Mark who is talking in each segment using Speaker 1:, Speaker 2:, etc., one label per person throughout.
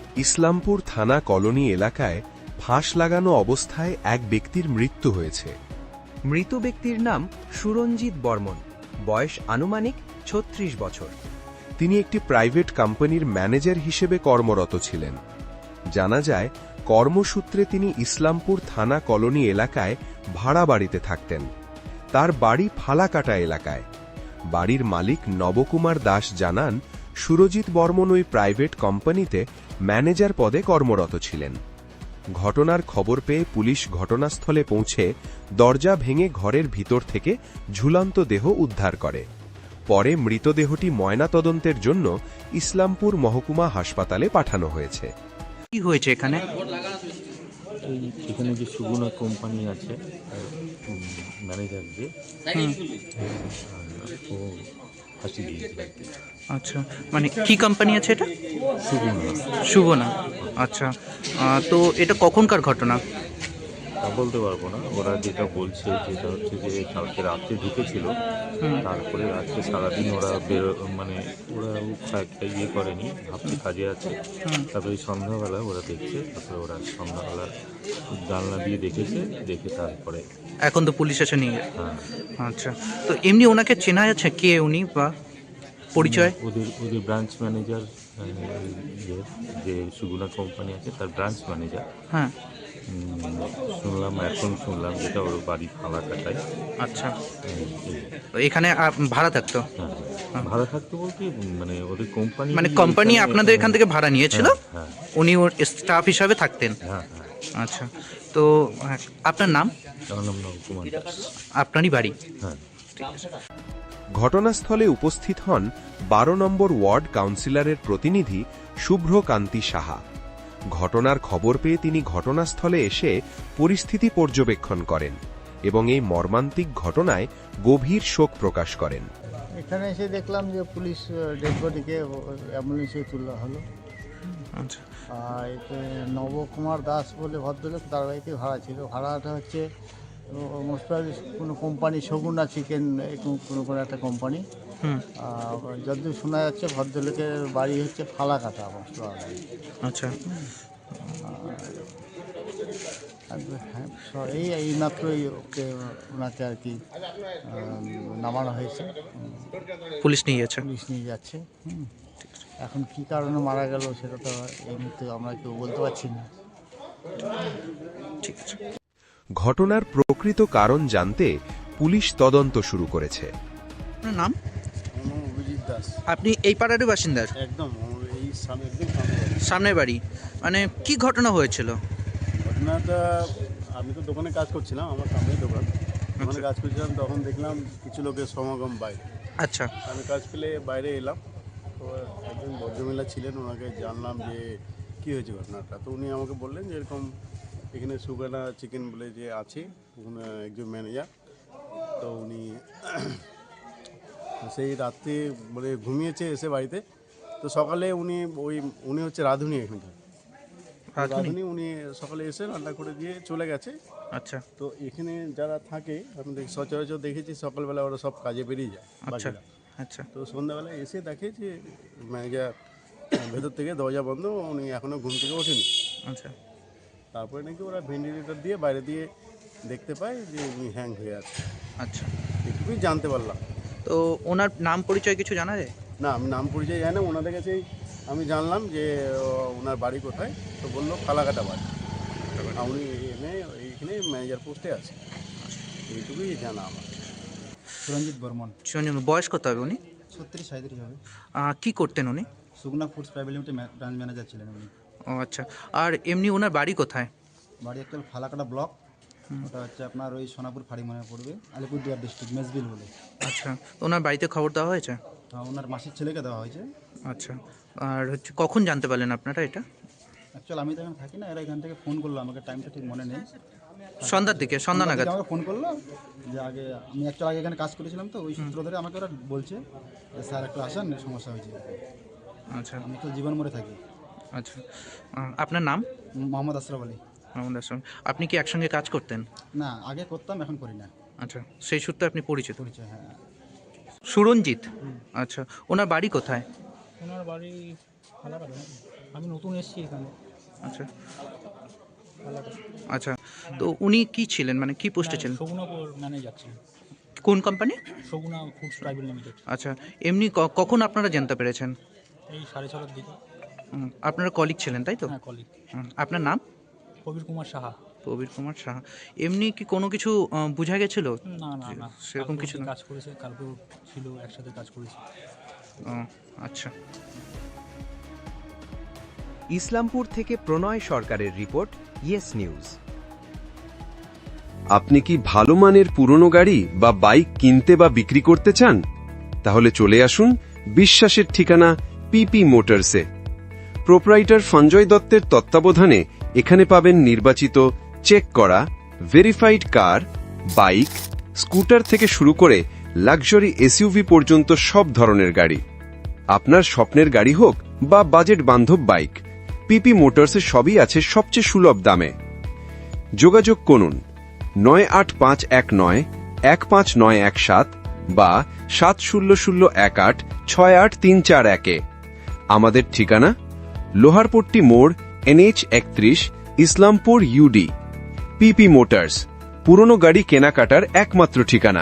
Speaker 1: ইসলামপুর থানা কলোনি এলাকায় ফাঁস লাগানো অবস্থায় এক ব্যক্তির মৃত্যু হয়েছে।
Speaker 2: মৃত ব্যক্তির নাম সুরঞ্জিত বর্মন, বয়স আনুমানিক ৩৬ বছর।
Speaker 1: তিনি একটি প্রাইভেট কোম্পানির ম্যানেজার হিসেবে কর্মরত ছিলেন। জানা যায়, কর্মসূত্রে তিনি ইসলামপুর থানা কলোনি এলাকায় ভাড়া বাড়িতে থাকতেন। তার বাড়ি ফালাকাটা এলাকায়। বাড়ির মালিক নবকুমার দাস জানান, সুরজিৎ বর্মন ওই প্রাইভেট কোম্পানিতে ম্যানেজার পদে কর্মরত ছিলেন। ঘটনার খবর পেয়ে পুলিশ ঘটনাস্থলে পৌঁছে দরজা ভেঙে ঘরের ভিতর থেকে ঝুলন্ত দেহ উদ্ধার করে। পরে মৃতদেহটি ময়নাতদন্তের জন্য ইসলামপুর মহকুমা হাসপাতালে পাঠানো হয়েছে।
Speaker 2: কি হয়েছে এখানে?
Speaker 3: এখানে যে সুগুনা কোম্পানি আছে ম্যানেজার যে ও ফাঁসি দিয়েছে।
Speaker 2: আচ্ছা, মানে কি কোম্পানি আছে এটা?
Speaker 3: সুগুনা।
Speaker 2: শুভনা। আচ্ছা, তো এটা কখনকার ঘটনা?
Speaker 3: তা বলতে পারবো না, ওরা যেটা বলছে যেটা হচ্ছে যে কালকে রাত্রে ঢুকেছিল, তারপরে আজকে সারাদিন ওরা মানে ওরা একটা ইয়ে করেনি, ভাবছি কাজে আছে। তারপরে সন্ধ্যাবেলা ওরা দেখছে, তারপরে ওরা সন্ধ্যাবেলা জানলা দিয়ে দেখেছে, দেখে তারপরে
Speaker 2: এখন তো পুলিশ এসে নিয়ে গেছে।
Speaker 3: হ্যাঁ
Speaker 2: আচ্ছা, তো এমনি ওনাকে চেনা যাচ্ছে কে উনি বা পরিচয়?
Speaker 3: ওদের ব্রাঞ্চ ম্যানেজার, যে সুগুনা কোম্পানি আছে তার ব্রাঞ্চ ম্যানেজার।
Speaker 2: হ্যাঁ।
Speaker 3: শুনলাম যেটা ওর বাড়ি ফালাকাটায়।
Speaker 2: আচ্ছা, তো এখানে ভাড়া থাকতো?
Speaker 3: হ্যাঁ, ভাড়া থাকতো বলতে মানে ওদের কোম্পানি,
Speaker 2: মানে কোম্পানি আপনাদের এখান থেকে ভাড়া নিয়েছিল?
Speaker 3: হ্যাঁ
Speaker 2: উনি ওর স্টাফ হিসাবে থাকতেন?
Speaker 3: হ্যাঁ।
Speaker 2: আচ্ছা, তো আপনার নাম?
Speaker 3: আমার নাম নবকুমার দাস।
Speaker 2: আপনারই বাড়ি?
Speaker 3: হ্যাঁ।
Speaker 1: ঘটনাস্থলে উপস্থিত হন ১২ নম্বর ওয়ার্ড কাউন্সিলরের প্রতিনিধি শুভ্রকান্তি সাহা। ঘটনার খবর পেয়ে তিনি ঘটনাস্থলে এসে পরিস্থিতি পর্যবেক্ষণ করেন এবং এই মর্মান্তিক ঘটনায় গভীর শোক প্রকাশ করেন।
Speaker 4: এখানে এসে দেখলাম যে পুলিশ ডেড বডিকে অ্যাম্বুলেন্সে তোলা হলো।
Speaker 2: আচ্ছা,
Speaker 4: আর এতে নবকুমার দাস বলে ভদ্রলোক, তার বাড়িতে ভাড়া ছিল। ভাড়াটা হচ্ছে মোস্ট প্রবাবলি কোনো কোম্পানি, সগুনা চিকেন, কোনো একটা কোম্পানি। যতদূর শোনা যাচ্ছে ভদ্রলোকের বাড়ি হচ্ছে ফালাকাটা মোস্ট প্রবাবলি।
Speaker 2: আচ্ছা,
Speaker 4: এই মাত্রই ওনাকে আর কি নামানো হয়েছে।
Speaker 2: পুলিশ নিয়ে গেছে?
Speaker 4: পুলিশ নিয়ে যাচ্ছে। এখন কি কারণে মারা গেল সেটা তো এই মুহূর্তে আমরা কেউ বলতে পারছি না।
Speaker 2: ঠিক আছে।
Speaker 1: ঘটনার প্রকৃত কারণ জানতে পুলিশ তদন্ত শুরু করেছে।
Speaker 2: আপনার নাম?
Speaker 4: অভিজিৎ দাস।
Speaker 2: আপনি এই পাড়ারই বাসিন্দা?
Speaker 4: একদম এই
Speaker 2: সামনের বাড়ি। মানে কি ঘটনা হয়েছিল?
Speaker 4: ঘটনাটা, আমি তো দোকানে কাজ করছিলাম, আমার সামনেই দোকান, দোকানে কাজ করছিলাম, তখন দেখলাম কিছু লোকের সমাগম বাইরে।
Speaker 2: আচ্ছা,
Speaker 4: আমি কাজ পেলে বাইরে এলাম, তো একজন ভদ্রমহিলা ছিলেন, ওনাকে জানলাম যে কী হয়েছে ঘটনাটা। তো উনি আমাকে বললেন যে এরকম এখানে সুগানা চিকেন বলে যে আছে, ওখানে একজন ম্যানেজার, তো উনি সেই রাত্রে বলে ঘুমিয়েছে এসে বাড়িতে। তো সকালে উনি হচ্ছে রাঁধুনি এখানকার রাঁধুনি, উনি সকালে এসে রান্না করে দিয়ে চলে গেছে।
Speaker 2: আচ্ছা,
Speaker 4: তো এখানে যারা থাকে আমি সচরাচর দেখেছি সকালবেলা ওরা সব কাজে বেরিয়ে যায় বাকিরা।
Speaker 2: আচ্ছা,
Speaker 4: তো সন্ধ্যাবেলা এসে দেখে যে ম্যানেজার ভেতর থেকে দরজা বন্ধ, উনি এখনও ঘুম থেকে ওঠেনি।
Speaker 2: আচ্ছা,
Speaker 4: তারপরে নাকি ওরা ভেন্টিলেটর দিয়ে বাইরে দিয়ে দেখতে পায় যে উনি হ্যাং হয়ে আছে।
Speaker 2: আচ্ছা,
Speaker 4: এটুকুই জানতে পারলাম।
Speaker 2: তো ওনার নাম পরিচয় কিছু জানা যায়?
Speaker 4: না, আমি নাম পরিচয় জানি না, ওনাদের কাছেই আমি জানলাম যে ওনার বাড়ি কোথায়। তো বললো ফালাকাটা বাড়ি, আর উনি এইখানে ম্যানেজার পোস্টে আছে, এইটুকুই জানা আমার। সুরঞ্জিত বর্মন।
Speaker 2: বয়স কত হবে উনি?
Speaker 4: 36-37 হবে।
Speaker 2: কি করতেন উনি?
Speaker 4: Suguna foods private limited branch manager ছিলেন উনি।
Speaker 2: ও আচ্ছা, আর এমনি ওনার বাড়ি কোথায়?
Speaker 4: বাড়ি অ্যাকচুয়াল ফালাকাটা ব্লক, ওটা হচ্ছে আপনার ওই সোনাপুর ফাঁড়ি মনে পড়বে, আলিপুরদুয়ার ডিস্ট্রিক্ট, মেজবিল বলে।
Speaker 2: আচ্ছা, তো ওনার বাড়িতে খবর দেওয়া হয়েছে?
Speaker 4: ওনার মাসির ছেলেকে দেওয়া হয়েছে।
Speaker 2: আচ্ছা, আর হচ্ছে কখন জানতে পারলেন আপনারা এটা?
Speaker 4: অ্যাকচুয়াল আমি তো এখানে থাকি না, এরা এখান থেকে ফোন করলো আমাকে, টাইমটা ঠিক মনে নেই।
Speaker 2: সন্ধ্যার দিকে, সন্ধ্যা নাগাদ
Speaker 4: আমাকে ফোন করলো যে আগে আমি অ্যাকচুয়াল আগে এখানে কাজ করেছিলাম, তো ওই সূত্র ধরে আমাকে ওরা বলছে যে স্যার একটু আসেন, সমস্যা হয়েছে।
Speaker 2: আচ্ছা,
Speaker 4: আমি তো জীবন মরে থাকি।
Speaker 2: আচ্ছা, আপনার নাম?
Speaker 4: মোহাম্মদ আশরাফ আলী।
Speaker 2: আমাদের সঙ্গে আপনি কি একসঙ্গে কাজ করতেন?
Speaker 4: না, আগে করতাম, এখন করি না।
Speaker 2: আচ্ছা, সেই সূত্রে আপনি পরিচিত?
Speaker 4: পরিচয়, হ্যাঁ।
Speaker 2: সুরঞ্জিত? আচ্ছা, ওনার বাড়ি কোথায়?
Speaker 5: ওনার বাড়ি ফালাকাটা নাকি? আমি নতুন এসেছি এখানে।
Speaker 6: আচ্ছা
Speaker 5: ফালাকাটা।
Speaker 6: আচ্ছা, তো উনি কি ছিলেন, মানে কি পোস্টে ছিলেন?
Speaker 5: সগুনাপুর ম্যানেজার ছিলেন।
Speaker 6: কোন company?
Speaker 5: Suguna foods private limited.
Speaker 6: আচ্ছা, এমনি কখন আপনারা জানতে পেরেছেন?
Speaker 5: এই 6:30টার দিকে।
Speaker 6: আপনারা কলিগ ছিলেন তাই তো?
Speaker 5: হ্যাঁ, কলিগ।
Speaker 6: আপনার নাম?
Speaker 5: প্রবীর কুমার সাহা।
Speaker 6: প্রবীর কুমার সাহা। এমনি কি কোনো কিছু বোঝা গেছিল?
Speaker 5: না না না,
Speaker 6: সেরকম কিছু না।
Speaker 5: কাজ করেছে, কালকেও ছিল, একসাথে কাজ করেছে।
Speaker 6: ও, আচ্ছা।
Speaker 2: ইসলামপুর থেকে প্রণয় সরকারের রিপোর্ট, ইয়েস নিউজ।
Speaker 1: আপনি কি ভালো মানের পুরনো গাড়ি বা বাইক কিনতে বা বিক্রি করতে চান? তাহলে চলে আসুন বিশ্বাসের ঠিকানা পিপি মোটরসে। প্রোপ্রাইটার সঞ্জয় দত্তের তত্ত্বাবধানে এখানে পাবেন নির্বাচিত, চেক করা, ভেরিফাইড কার, বাইক, স্কুটার থেকে শুরু করে লাক্সারি এসইউভি পর্যন্ত সব ধরনের গাড়ি। আপনার স্বপ্নের গাড়ি হোক বা বাজেট বান্ধব বাইক, পিপি মোটরসে সবই আছে সবচেয়ে সুলভ দামে। যোগাযোগ করুন 9851915917 বা 7001868341। আমাদের ঠিকানা লোহারপট্টি মোড়, NH 31, Islampur UD। PP motors, পুরনো গাড়ি কেনাকাটার একমাত্র ঠিকানা।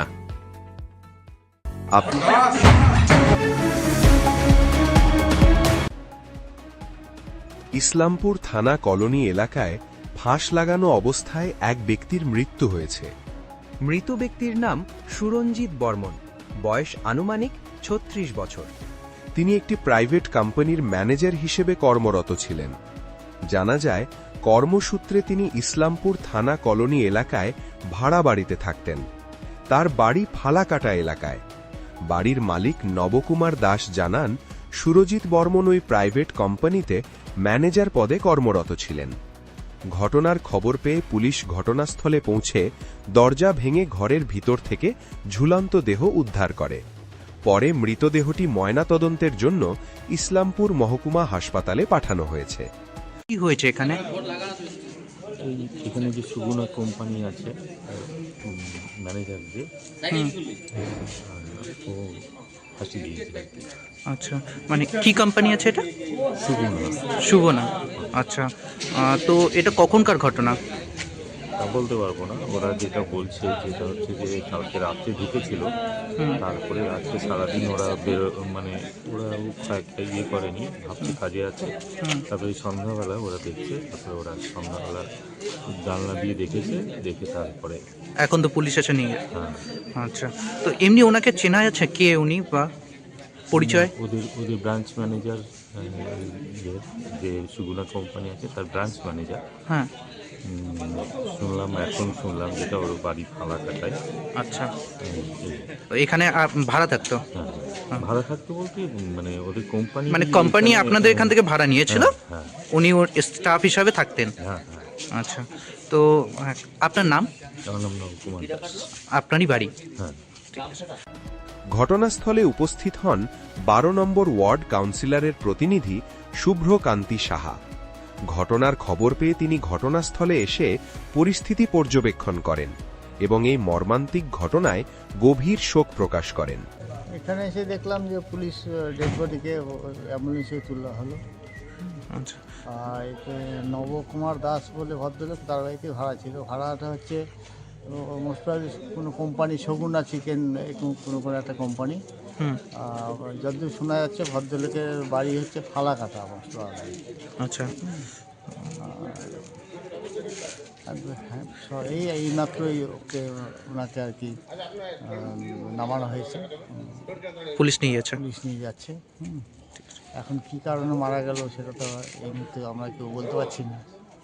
Speaker 1: ইসলামপুর থানা কলোনি এলাকায় ফাঁস লাগানো অবস্থায় এক ব্যক্তির মৃত্যু হয়েছে।
Speaker 2: মৃত ব্যক্তির নাম সুরঞ্জিত বর্মন, বয়স আনুমানিক 36 বছর।
Speaker 1: তিনি একটি প্রাইভেট কোম্পানির ম্যানেজার হিসেবে কর্মরত ছিলেন। জানা যায়, কর্মসূত্রে তিনি ইসলামপুর থানা কলোনি এলাকায় ভাড়া বাড়িতে থাকতেন। তার বাড়ি ফালাকাটা এলাকায়। বাড়ির মালিক নবকুমার দাস জানান, সুরজিৎ বর্মন ওই প্রাইভেট কোম্পানিতে ম্যানেজার পদে কর্মরত ছিলেন। ঘটনার খবর পেয়ে পুলিশ ঘটনাস্থলে পৌঁছে দরজা ভেঙে ঘরের ভিতর থেকে ঝুলন্ত দেহ উদ্ধার করে। পরে মৃতদেহটি ময়নাতদন্তের জন্য ইসলামপুর মহকুমা হাসপাতালে পাঠানো হয়েছে।
Speaker 6: কি হয়েছে এখানে?
Speaker 3: এখানে যে সুগুনা কোম্পানি আছে, ম্যানেজার যে, ও ফাঁসি দিয়েছে আর কি।
Speaker 6: আচ্ছা, মানে কি কোম্পানি আছে এটা?
Speaker 3: সুগুনা।
Speaker 6: শুভনা। আচ্ছা, তো এটা কখনকার ঘটনা?
Speaker 3: তা বলতে পারবো না, ওরা যেটা বলছে যেটা হচ্ছে যে কালকে রাত্রে ঢুকেছিল, তারপরে আজকে সারাদিন ওরা মানে ওরা একটা ইয়ে করেনি, ভাবছে কাজে আছে। তারপরে সন্ধ্যাবেলা ওরা দেখছে, তারপরে ওরা সন্ধ্যাবেলা জানলা দিয়ে দেখেছে, দেখে তারপরে
Speaker 6: এখন তো পুলিশ এসে নিয়ে।
Speaker 3: হ্যাঁ,
Speaker 6: আচ্ছা, তো এমনি ওনাকে চেনা যাচ্ছে কে উনি বা পরিচয়?
Speaker 3: ওদের ব্রাঞ্চ ম্যানেজার, যে সুগুনা কোম্পানি আছে তার ব্রাঞ্চ ম্যানেজার।
Speaker 6: হ্যাঁ।
Speaker 3: শুনলাম যেটা ওর বাড়ি ফালাকাটায়।
Speaker 6: আচ্ছা, তো এখানে ভাড়া থাকতো?
Speaker 3: হ্যাঁ, ভাড়া থাকতো বলতে মানে ওদের কোম্পানি,
Speaker 6: মানে কোম্পানি আপনাদের এখান থেকে ভাড়া নিয়েছিল,
Speaker 3: হ্যাঁ
Speaker 6: উনি ওর স্টাফ হিসাবে থাকতেন?
Speaker 3: হ্যাঁ।
Speaker 6: আচ্ছা, তো আপনার নাম?
Speaker 3: আমার নাম নবকুমার দাস।
Speaker 6: আপনারই বাড়ি?
Speaker 3: হ্যাঁ।
Speaker 1: ঘটনাস্থলে উপস্থিত হন 12 নম্বর ওয়ার্ড কাউন্সিলরের প্রতিনিধি শুভ্রকান্তি সাহা। ঘটনার খবর পেয়ে তিনি ঘটনাস্থলে এসে পরিস্থিতি পর্যবেক্ষণ করেন এবং এই মর্মান্তিক ঘটনায় গভীর শোক প্রকাশ করেন।
Speaker 4: এখানে এসে দেখলাম যে পুলিশ ডেড বডিকে অ্যাম্বুলেন্সে তোলা হলো।
Speaker 6: আচ্ছা,
Speaker 4: আর এতে নবকুমার দাস বলে ভদ্রলোক, তার বাড়িতে ভাড়া ছিল। ভাড়াটা হচ্ছে মোস্ট প্রবাবলি কোনো কোম্পানি, সগুনা চিকেন, কোনো একটা কোম্পানি। যতদূর শোনা যাচ্ছে ভদ্রলোকের বাড়ি হচ্ছে ফালাকাটা মোস্ট প্রবাবলি।
Speaker 6: আচ্ছা,
Speaker 4: এই মাত্রই ওনাকে আর কি নামানো হয়েছে।
Speaker 6: পুলিশ নিয়ে গেছে?
Speaker 4: পুলিশ নিয়ে যাচ্ছে। এখন কি কারণে মারা গেল সেটা তো এই মুহূর্তে আমরা কেউ বলতে পারছি না।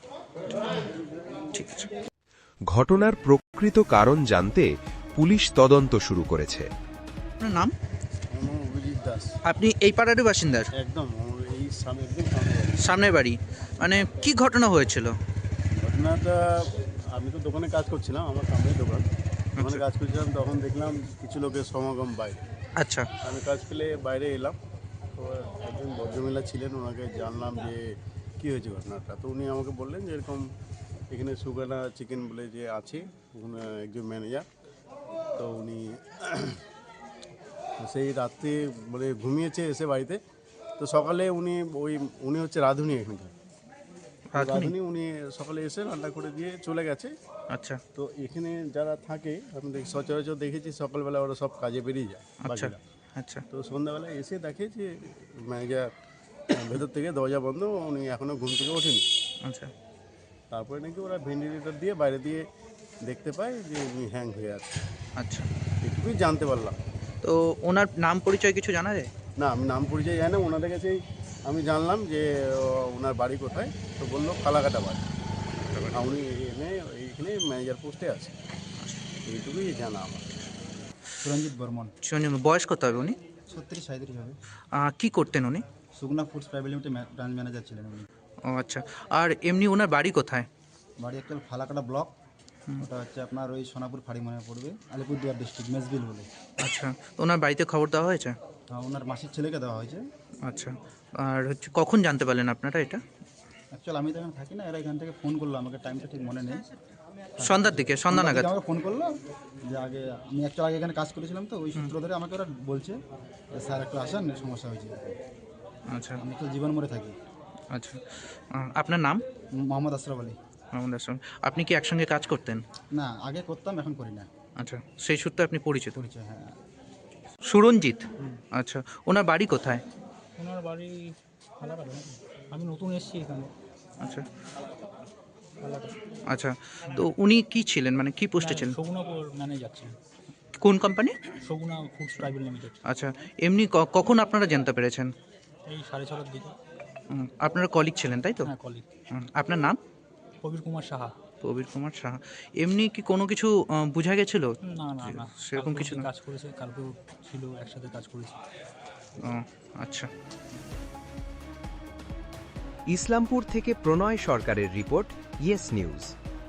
Speaker 6: ঠিক আছে।
Speaker 1: ঘটনার প্রকৃত কারণ জানতে পুলিশ তদন্ত শুরু করেছে।
Speaker 6: আপনার নাম?
Speaker 4: অভিজিৎ দাস।
Speaker 6: আপনি এই পাড়ারই বাসিন্দার?
Speaker 4: একদম এই সামনে,
Speaker 6: সামনের বাড়ি। মানে কি ঘটনা হয়েছিল?
Speaker 7: ঘটনাটা, আমি তো দোকানে কাজ করছিলাম, আমার সামনেই দোকান, দোকানে কাজ করছিলাম, তখন দেখলাম কিছু লোকের সমাগম বাইরে।
Speaker 6: আচ্ছা,
Speaker 7: আমি কাজ পেলে বাইরে এলাম, তো একজন ভদ্রমহিলা ছিলেন, ওনাকে জানলাম যে কী হয়েছে ঘটনাটা। তো উনি আমাকে বললেন যে এরকম এখানে সুগানা চিকেন বলে যে আছে, ওখানে একজন ম্যানেজার, তো উনি সেই রাত্রে ঘুমিয়েছে এসে বাড়িতে, তো তো সকালে উনি হচ্ছে রাঁধুনি এখানকার।
Speaker 6: রাঁধুনি?
Speaker 7: রাঁধুনি উনি সকালে এসে রান্না করে দিয়ে চলে গেছে।
Speaker 6: আচ্ছা
Speaker 7: তো এখানে যারা থাকে আমি সচরাচর দেখেছি সকালবেলা ওরা সব কাজে বেরিয়ে যায়
Speaker 6: আচ্ছা
Speaker 7: বাকিরা।
Speaker 6: আচ্ছা
Speaker 7: তো সন্ধ্যাবেলা এসে দেখে যে ম্যানেজার ভেতর থেকে দরজা বন্ধ, উনি এখনও ঘুম থেকে ওঠেনি।
Speaker 6: আচ্ছা
Speaker 7: তারপরে নাকি ওরা ভেন্টিলেটর দিয়ে বাইরে দিয়ে দেখতে পায় যে উনি হ্যাং হয়ে আছে।
Speaker 6: আচ্ছা।
Speaker 7: এটুকুই জানতে পারলাম।
Speaker 6: তো ওনার নাম পরিচয় কিছু জানা যায়?
Speaker 7: না, আমি নাম পরিচয় জানি না। ওনাদের কাছেই আমি জানলাম যে ওনার বাড়ি কোথায়। তো বললো ফালাকাটা বাড়ি। আর উনি এইখানে ম্যানেজার পোস্টে আছে, এইটুকুই জানা আমার।
Speaker 8: সুরঞ্জিত বর্মন।
Speaker 6: চিরঞ্জন, বয়স কত হবে উনি?
Speaker 8: 36-37 হবে।
Speaker 6: কি করতেন উনি?
Speaker 8: Suguna foods private limited branch manager ছিলেন উনি।
Speaker 6: ও আচ্ছা। আর এমনি ওনার বাড়ি কোথায়?
Speaker 8: বাড়ি একটা ফালাকাটা ব্লক, ওটা হচ্ছে আপনার ওই সোনাপুর ফাড়ি মনে পড়বে, আলিপুরদুয়ার ডিস্ট্রিক্ট মেজবিল বলে।
Speaker 6: আচ্ছা। তো ওনার বাড়িতে খবর দেওয়া হয়েছে?
Speaker 8: ওনার মাসির ছেলেকে দেওয়া হয়েছে।
Speaker 6: আচ্ছা। আর হচ্ছে কখন জানতে পারলেন আপনারা এটা?
Speaker 8: অ্যাকচুয়ালি আমি তো এখানে থাকি না, এরা এখান থেকে ফোন করলো আমাকে, টাইমটা ঠিক মনে নেই।
Speaker 6: সন্ধ্যার দিকে, সন্ধ্যা নাগাদ?
Speaker 8: আমাকে ফোন করলো যে আগে আমি অ্যাকচুয়ালি আগে এখানে কাজ করেছিলাম, তো ওই সূত্র ধরে আমাকে ওরা বলছে যে স্যার একটু আসেন, সমস্যা হয়েছে।
Speaker 6: আচ্ছা
Speaker 8: আমি তো জীবন মরে থাকি।
Speaker 6: আচ্ছা। আপনার নাম?
Speaker 8: মোহাম্মদ আশরাফ আলী।
Speaker 6: আমাদের সঙ্গে আপনি কি একসঙ্গে কাজ করতেন?
Speaker 8: না, আগে করতাম, এখন করি না।
Speaker 6: আচ্ছা, সেই সূত্রে আপনি পরিচিত?
Speaker 8: পরিচয়, হ্যাঁ।
Speaker 6: সুরঞ্জিত? আচ্ছা। ওনার বাড়ি কোথায়?
Speaker 5: ওনার বাড়ি ফালাকাটা নাকি? আমি নতুন এসেছি এখানে।
Speaker 6: আচ্ছা
Speaker 5: ফালাকাটা।
Speaker 6: আচ্ছা। তো উনি কি ছিলেন, মানে কি পোস্টে ছিলেন?
Speaker 5: সগুনা ম্যানেজার ছিলেন।
Speaker 6: কোন company?
Speaker 5: Suguna foods private limited.
Speaker 6: আচ্ছা। এমনি কখন আপনারা জানতে পেরেছেন?
Speaker 5: এই 6:30 দিকে।
Speaker 6: আপনারা কলিগ ছিলেন তাই তো?
Speaker 5: হ্যাঁ, কলিগ।
Speaker 6: আপনার নাম?
Speaker 5: প্রবীর কুমার সাহা।
Speaker 6: প্রবীর কুমার সাহা। এমনি কি কোনো কিছু বোঝা গেছিল?
Speaker 5: না না না,
Speaker 6: সেরকম
Speaker 5: কালকেও
Speaker 6: কিছু না?
Speaker 5: কাজ করেছে, কালকেও ছিল, একসাথে কাজ করেছি।
Speaker 6: ও, আচ্ছা।
Speaker 2: ইসলামপুর থেকে প্রণয় সরকারের রিপোর্ট, ইয়েস নিউজ।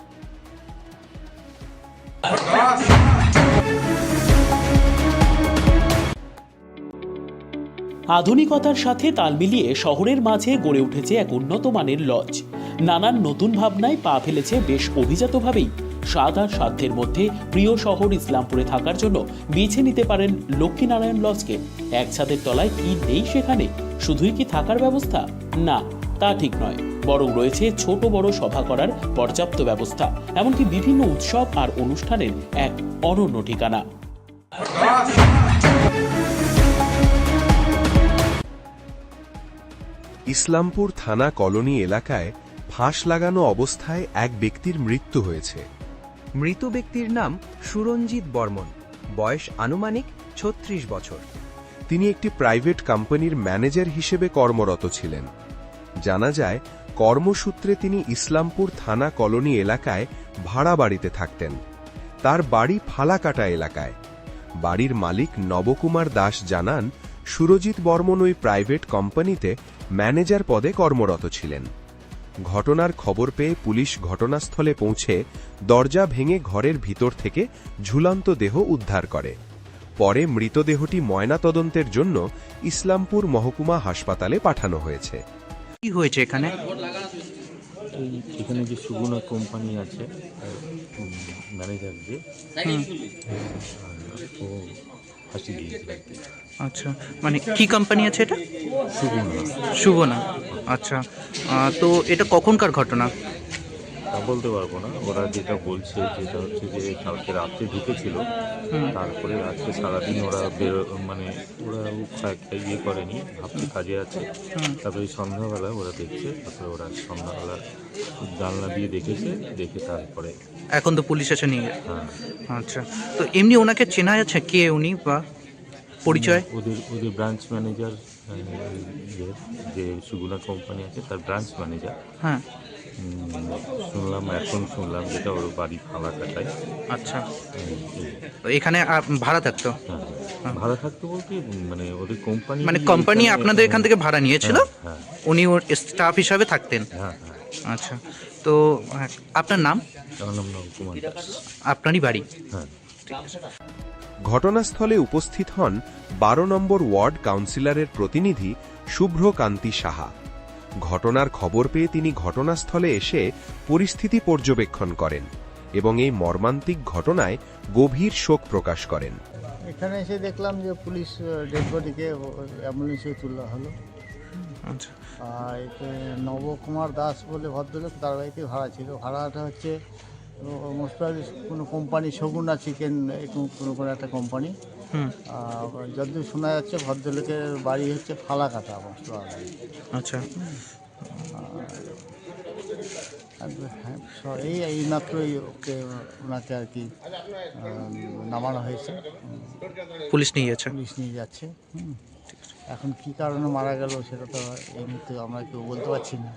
Speaker 9: আধুনিকতার সাথে তাল মিলিয়ে শহরের মাঝে গড়ে উঠেছে এক উন্নত মানের লজ। নানান নতুন ভাবনায় পা ফেলেছে বেশ অভিজাতভাবেই। স্বাদ আর সাধ্যের মধ্যে প্রিয় শহর ইসলামপুরে থাকার জন্য বেছে নিতে পারেন লক্ষ্মীনারায়ণ লজকে। এক ছাদের তলায় কি নেই সেখানে? শুধুই কি থাকার ব্যবস্থা? না, তা ঠিক নয়, বরং রয়েছে ছোট বড় সভা করার পর্যাপ্ত ব্যবস্থা, এমনকি বিভিন্ন উৎসব আর অনুষ্ঠানের এক অনন্য ঠিকানা।
Speaker 1: ইসলামপুর থানা কলোনি এলাকায় ফাঁস লাগানো অবস্থায় এক ব্যক্তির মৃত্যু হয়েছে।
Speaker 2: মৃত ব্যক্তির নাম সুরঞ্জিত বর্মন, বয়স আনুমানিক 36 বছর।
Speaker 1: তিনি একটি প্রাইভেট কোম্পানির ম্যানেজার হিসেবে কর্মরত ছিলেন। জানা যায়, কর্মসূত্রে তিনি ইসলামপুর থানা কলোনি এলাকায় ভাড়া বাড়িতে থাকতেন। তার বাড়ি ফালাকাটা এলাকায়। বাড়ির মালিক নবকুমার দাস জানান, সুরজিৎ বর্মন ওই প্রাইভেট কোম্পানিতে ম্যানেজার পদে কর্মরত ছিলেন। ঘটনার খবর পেয়ে পুলিশ ঘটনাস্থলে পৌঁছে দরজা ভেঙে ঘরের ভিতর থেকে ঝুলন্ত দেহ উদ্ধার করে। পরে মৃতদেহটি ময়নাতদন্তের জন্য ইসলামপুর মহকুমা হাসপাতালে পাঠানো হয়েছে।
Speaker 6: কি হয়েছে এখানে?
Speaker 3: এখানে যে সুগুনা কোম্পানি আছে, ম্যানেজার যে ও ফাঁসি দিয়েছিল আর কি।
Speaker 6: আচ্ছা, মানে কি কোম্পানি আছে এটা?
Speaker 3: সুগুনা।
Speaker 6: সুগনা। আচ্ছা। তো এটা কখনকার ঘটনা?
Speaker 3: তা বলতে পারবো না। ওরা যেটা বলছে যেটা হচ্ছে যে কালকে রাত্রে ঢুকেছিল, তারপরে আজকে সারাদিন ওরা মানে ওরা ইয়ে করেনি, ভাবছে কাজে আছে। তারপরে সন্ধ্যাবেলা ওরা দেখছে, তারপরে ওরা সন্ধ্যাবেলা জানলা দিয়ে দেখেছে, দেখে তারপরে
Speaker 6: এখন তো পুলিশ এসে নিয়ে।
Speaker 3: হ্যাঁ।
Speaker 6: আচ্ছা। তো এমনি ওনাকে চেনা যাচ্ছে, কে উনি বা পরিচয়?
Speaker 3: ওদের ব্রাঞ্চ ম্যানেজার, যে সুগুনা কোম্পানি আছে তার ব্রাঞ্চ ম্যানেজার।
Speaker 6: হ্যাঁ।
Speaker 3: শুনলাম যেটা ওর বাড়ি ফালাকাটায়।
Speaker 6: আচ্ছা। তো এখানে ভাড়া থাকতো?
Speaker 3: হ্যাঁ, ভাড়া থাকতো বলতে মানে ওদের কোম্পানি,
Speaker 6: মানে কোম্পানি আপনাদের এখান থেকে ভাড়া নিয়েছিল?
Speaker 3: হ্যাঁ।
Speaker 6: উনি ওর স্টাফ হিসাবে থাকতেন?
Speaker 3: হ্যাঁ।
Speaker 6: আচ্ছা। তো আপনার নাম?
Speaker 3: আমার নাম নবকুমার দাস।
Speaker 6: আপনারই বাড়ি?
Speaker 3: হ্যাঁ।
Speaker 1: ঘটনাস্থলে উপস্থিত হন 12 নম্বর ওয়ার্ড কাউন্সিলরের প্রতিনিধি শুভ্রকান্তি সাহা। ঘটনার খবর পেয়ে তিনি ঘটনাস্থলে এসে পরিস্থিতি পর্যবেক্ষণ করেন এবং এই মর্মান্তিক ঘটনায় গভীর শোক প্রকাশ করেন।
Speaker 4: এখানে এসে দেখলাম যে পুলিশ ডেড বডিকে অ্যাম্বুলেন্সে তোলা হলো।
Speaker 6: আচ্ছা
Speaker 4: আর এতে নবকুমার দাস বলে ভদ্রলোক, তার বাড়িতে ভাড়া ছিল। ভাড়াটা হচ্ছে মোস্ট কোনো কোম্পানি, শগুনা চিকেন কোনো একটা কোম্পানি।
Speaker 6: হুম
Speaker 4: যতদূর শোনা যাচ্ছে ভদ্রলোকের বাড়ি হচ্ছে ফালাকাটা মোস্ট।
Speaker 6: আচ্ছা
Speaker 4: এই মাত্রই ওনাকে আর কি নামানো হয়েছে,
Speaker 6: পুলিশ নিয়ে গেছে।
Speaker 4: পুলিশ নিয়ে যাচ্ছে। এখন কি কারণে মারা গেল সেটা তো এই মুহূর্তে আমরা কেউ বলতে পারছি না।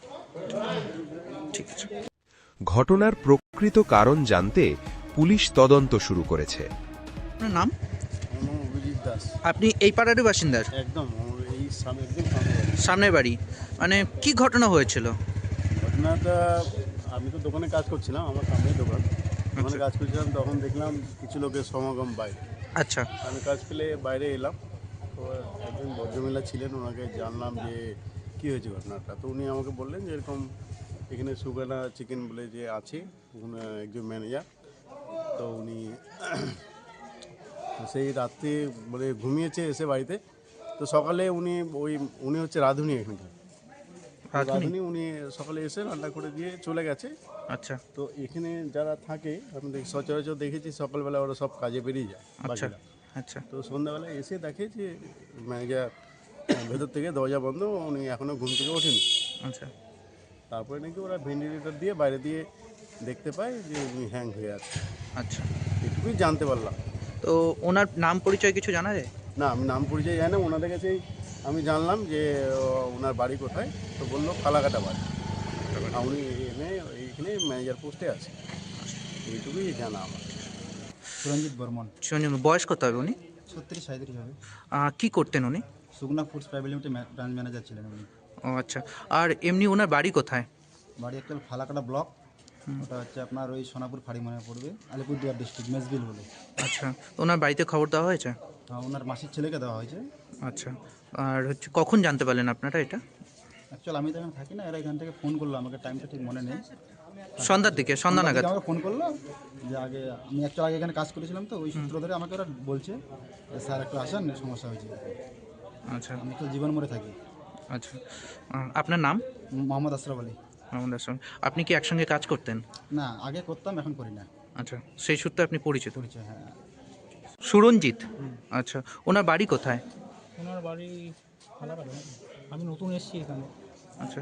Speaker 6: ঠিক আছে।
Speaker 1: ঘটনার প্রকৃত কারণ জানতে পুলিশ তদন্ত শুরু করেছে।
Speaker 6: আপনার নাম?
Speaker 7: আমার নাম অভিজিৎ দাস।
Speaker 6: আপনি এই পাড়ারই বাসিন্দার?
Speaker 7: একদম আমার এই সামনে একদম সামনে বাড়ি।
Speaker 6: সামনের বাড়ি? মানে কি ঘটনা হয়েছিল?
Speaker 7: ঘটনাটা, আমি তো দোকানে কাজ করছিলাম, আমার সামনেই দোকান, দোকানে কাজ করছিলাম, তখন দেখলাম কিছু লোকের সমাগম বাইরে।
Speaker 6: আচ্ছা
Speaker 7: আমি কাজ পেলে বাইরে এলাম, তো একজন ভদ্রমহিলা ছিলেন, ওনাকে জানলাম যে কী হয়েছে ঘটনাটা। তো উনি আমাকে বললেন যে এরকম এখানে সুগানা চিকেন বলে যে আছে, উনি একজন ম্যানেজার। তো উনি সেই রাত্রে বলে ঘুমিয়েছে এসে বাড়িতে। তো সকালে উনি হচ্ছে রাঁধুনি এখানকার রাঁধুনি। উনি সকালে এসে রান্না করে দিয়ে চলে গেছে।
Speaker 6: আচ্ছা
Speaker 7: তো এখানে যারা থাকে আমি সচরাচর দেখেছি সকালবেলা ওরা সব কাজে বেরিয়ে যায়
Speaker 6: আচ্ছা
Speaker 7: বাকিরা।
Speaker 6: আচ্ছা
Speaker 7: তো সন্ধ্যাবেলা এসে দেখে যে ম্যানেজার ভেতর থেকে দরজা বন্ধ, উনি এখনও ঘুম থেকে ওঠেনি।
Speaker 6: আচ্ছা
Speaker 7: তারপরে নাকি ওরা ভেন্টিলেটর দিয়ে বাইরে দিয়ে দেখতে পায় যে উনি হ্যাং হয়ে আছে।
Speaker 6: আচ্ছা
Speaker 7: এটুকুই জানতে পারলাম।
Speaker 6: তো ওনার নাম পরিচয় কিছু জানা যায়?
Speaker 7: না, আমি নাম পরিচয় জানি না। ওনাদের কাছেই আমি জানলাম যে ওনার বাড়ি কোথায়। তো বললো ফালাকাটা বাড়ি, আর উনি এইখানে ম্যানেজার পোস্টে আছে। এইটুকুই জানা আমার।
Speaker 8: সুরঞ্জিত বর্মন।
Speaker 6: সঞ্জীব, বয়স কত হবে উনি?
Speaker 8: 36-37 হবে।
Speaker 6: কি করতেন উনি?
Speaker 8: Suguna foods private limited branch manager ছিলেন উনি।
Speaker 6: ও আচ্ছা। আর এমনি ওনার বাড়ি কোথায়?
Speaker 8: বাড়ি অ্যাকচুয়াল ফালাকাটা ব্লক, ওটা হচ্ছে আপনার ওই সোনাপুর ফাড়ি মনে পড়বে, আলিপুরদুয়ার ডিস্ট্রিক্ট, মেজবিল বলে।
Speaker 6: আচ্ছা, তো ওনার বাড়িতে খবর দেওয়া হয়েছে?
Speaker 8: ওনার মাসির ছেলেকে দেওয়া হয়েছে।
Speaker 6: আচ্ছা, আর হচ্ছে কখন জানতে পারলেন আপনারা এটা?
Speaker 8: অ্যাকচুয়াল আমি তো এখানে থাকি না, এরা এখান থেকে ফোন করলো আমাকে, টাইমটা ঠিক মনে নেই।
Speaker 6: সন্ধ্যার দিকে, সন্ধ্যা নাগাদ?
Speaker 8: আমাকে ফোন করলো যে আগে আমি অ্যাকচুয়াল আগে এখানে কাজ করেছিলাম, তো ওই সূত্র ধরে আমাকে ওরা বলছে যে স্যার একটু আসেন, সমস্যা হয়েছে।
Speaker 6: আচ্ছা
Speaker 8: আমি তো জীবন মরে থাকি।
Speaker 6: আচ্ছা, আপনার নাম?
Speaker 8: মোহাম্মদ আশরাফ আলী।
Speaker 6: মোহাম্মদ আশরাফ। আপনি কি একসঙ্গে কাজ করতেন?
Speaker 8: না, আগে করতাম, এখন করি না।
Speaker 6: আচ্ছা, সেই সূত্রে আপনি পরিচিত?
Speaker 8: পরিচয়, হ্যাঁ।
Speaker 6: সুরঞ্জিত? আচ্ছা, ওনার বাড়ি কোথায়?
Speaker 5: ওনার বাড়ি ফালাকাটা। আমি নতুন এসেছি এখানে।
Speaker 6: আচ্ছা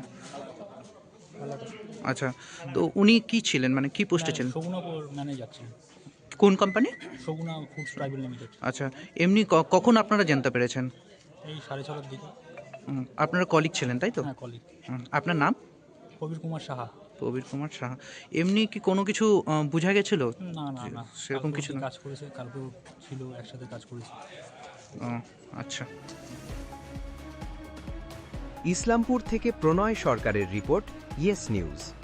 Speaker 5: ফালাকাটা।
Speaker 6: আচ্ছা, তো উনি কি ছিলেন, মানে কি পোস্টে ছিলেন?
Speaker 5: শগুনা ম্যানেজার ছিলেন।
Speaker 6: কোন company?
Speaker 5: Suguna foods private limited.
Speaker 6: আচ্ছা, এমনি কখন আপনারা জানতে পেরেছেন?
Speaker 5: এই 6:30 দিকে।
Speaker 6: আপনারা কলিগ ছিলেন তাই তো?
Speaker 5: হ্যাঁ, কলিগ।
Speaker 6: আপনার নাম?
Speaker 5: প্রবীর কুমার সাহা।
Speaker 6: প্রবীর কুমার সাহা। এমনি কি কোনো কিছু বোঝা গেছিল?
Speaker 5: না না না,
Speaker 6: সেরকম কিছু না।
Speaker 5: কাজ করেছে, কালকেও ছিল, একসাথে কাজ করেছে।
Speaker 6: আচ্ছা।
Speaker 2: ইসলামপুর থেকে প্রণয় সরকারের রিপোর্ট, ইয়েস নিউজ।